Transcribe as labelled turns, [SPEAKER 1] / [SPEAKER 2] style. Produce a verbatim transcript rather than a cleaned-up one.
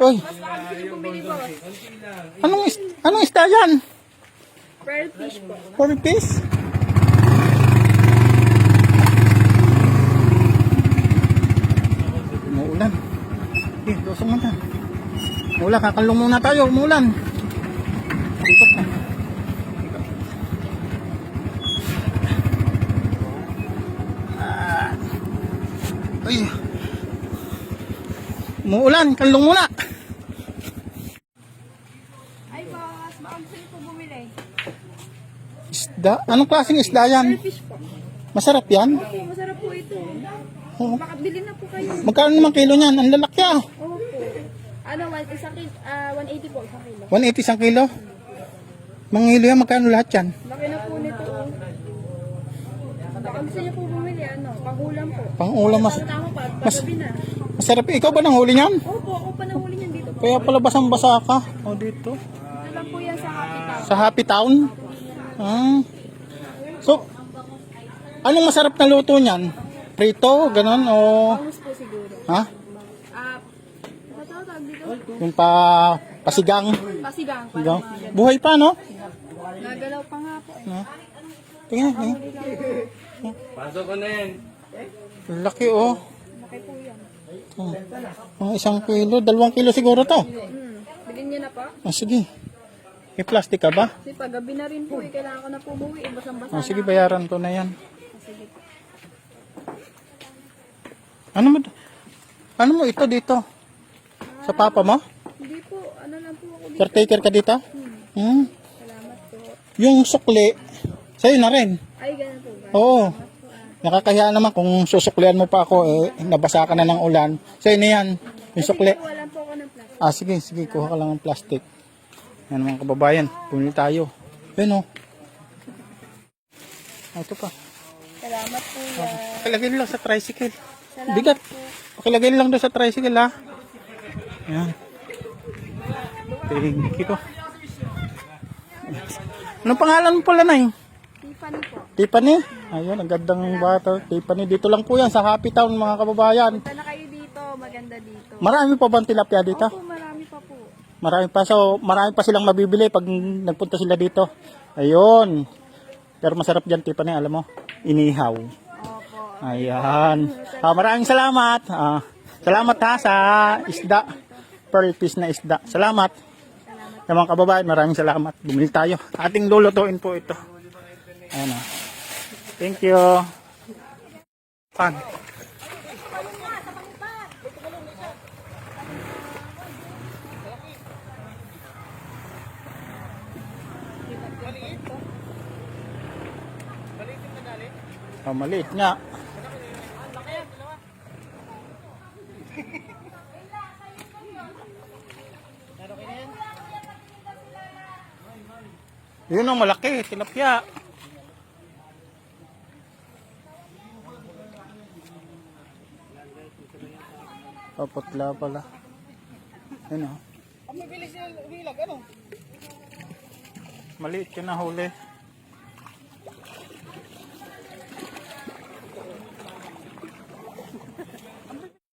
[SPEAKER 1] Uy,
[SPEAKER 2] Mas baka gusto niyo bumili, boss.
[SPEAKER 1] anong, is anong isda yan?
[SPEAKER 2] Pearl fish po.
[SPEAKER 1] Four piece? Umuulan. Eh, dosong mo na. Umuulan, kakalong muna tayo. Umuulan. Ikot na. Ah. Ay. Umuulan, kalong muna.
[SPEAKER 2] Ay, boss. Baka gusto niyo po bumili.
[SPEAKER 1] Isda? Anong klaseng isda yan?
[SPEAKER 2] Pearl fish po.
[SPEAKER 1] Masarap yan?
[SPEAKER 2] Opo, masarap po ito.
[SPEAKER 1] Oo.
[SPEAKER 2] Makabili na po kayo.
[SPEAKER 1] Magkano naman kilo niyan? Ang lalaki ah.
[SPEAKER 2] Opo. Ano, one, isang kilo, ah, one eighty po, isang kilo.
[SPEAKER 1] one eighty isang kilo? Mga kilo yan, magkano lahat yan?
[SPEAKER 2] Laki na po nito. Oh. Baka gusto niyo po bumili, ano, pangulam po.
[SPEAKER 1] Pang-ulam mas,
[SPEAKER 2] Tama pa,
[SPEAKER 1] mas
[SPEAKER 2] pagabi na.
[SPEAKER 1] masarap. Ikaw ba nang huli niyan?
[SPEAKER 2] Opo, ako pa nahuli niyan dito po.
[SPEAKER 1] Kaya pala basang-basa ka. O dito.
[SPEAKER 2] Alam po yan sa Happy Town.
[SPEAKER 1] Sa Happy Town? Ah. So, anong masarap na luto niyan? Prito, ganon o...
[SPEAKER 2] Bangus po siguro.
[SPEAKER 1] Ha?
[SPEAKER 2] Ah, ano tawag dito?
[SPEAKER 1] Yung pa... pasigang.
[SPEAKER 2] Pasigang.
[SPEAKER 1] Ikaw?
[SPEAKER 2] Parang mga ganun.
[SPEAKER 1] Buhay pa, no?
[SPEAKER 2] Nagalaw pa nga po. Eh.
[SPEAKER 1] Ha? Tingnan, tingnan.
[SPEAKER 3] Pasok ko na yan.
[SPEAKER 1] Laki, oh.
[SPEAKER 2] Laki po yan.
[SPEAKER 1] Oh. Mga isang kilo, dalawang kilo siguro to.
[SPEAKER 2] Hmm. Bilhin niyo na pa.
[SPEAKER 1] Ah, sige. May plastic ka ba?
[SPEAKER 2] Kasi paggabi na rin po eh. Kailangan ko na po umuwi. Eh, basang-basa
[SPEAKER 1] Ah, sige,
[SPEAKER 2] na.
[SPEAKER 1] bayaran to na yan.
[SPEAKER 2] Ah, sige po.
[SPEAKER 1] Ano mo? Ano mo ito dito? Sa papa mo?
[SPEAKER 2] Hindi po. Ano lang po ako dito.
[SPEAKER 1] Caretaker ka dito?
[SPEAKER 2] Hmm.
[SPEAKER 1] Hmm.
[SPEAKER 2] Salamat po.
[SPEAKER 1] Yung sukli, sa'yo na rin.
[SPEAKER 2] Ay, ganun po ba?
[SPEAKER 1] Oo.
[SPEAKER 2] Salamat po ah.
[SPEAKER 1] Nakakahiya naman kung susuklian mo pa ako, eh, nabasa ka na ng ulan. Sa'yo na yan. Yung sukli.
[SPEAKER 2] Kasi po, walang po ako ng plastic.
[SPEAKER 1] Ah, sige, sige. Kuha ka lang ng plastic. Yan mga kababayan. Pumili tayo. Yan o. Ah, ito pa.
[SPEAKER 2] Salamat po. ah.
[SPEAKER 1] Pakilagay lang sa tricycle.
[SPEAKER 2] Salamat
[SPEAKER 1] Bigat.
[SPEAKER 2] po.
[SPEAKER 1] Pakilagay lang doon sa tricycle ha. Yan. Thank you. Anong pangalan mo pala, Nay?
[SPEAKER 2] Tiffany po.
[SPEAKER 1] Tiffany? Ayun, ang gandang bata. Tiffany, dito lang po yan sa Happy Town mga kababayan.
[SPEAKER 2] Punta na kayo dito. Maganda dito.
[SPEAKER 1] Marami pa bang tilapia dito?
[SPEAKER 2] Opo, marami pa po.
[SPEAKER 1] Marami pa. So, marami pa silang mabibili pag nagpunta sila dito. Ayun. Pero masarap dyan, Tiffany, alam mo. Inihaw.
[SPEAKER 2] Opo.
[SPEAKER 1] Ayan. Ah, maraming salamat. Ah, salamat ha sa isda. Pearl fish na isda. Salamat. Sa mga kababayan, maraming salamat. Bumili tayo. Ating lulutuin po ito. Ayan o. Thank you. Pan. Oh, maliit nga. Yun ang malaki, tilapia. Oh, putla pala. Yun o. Maliit yun na huli.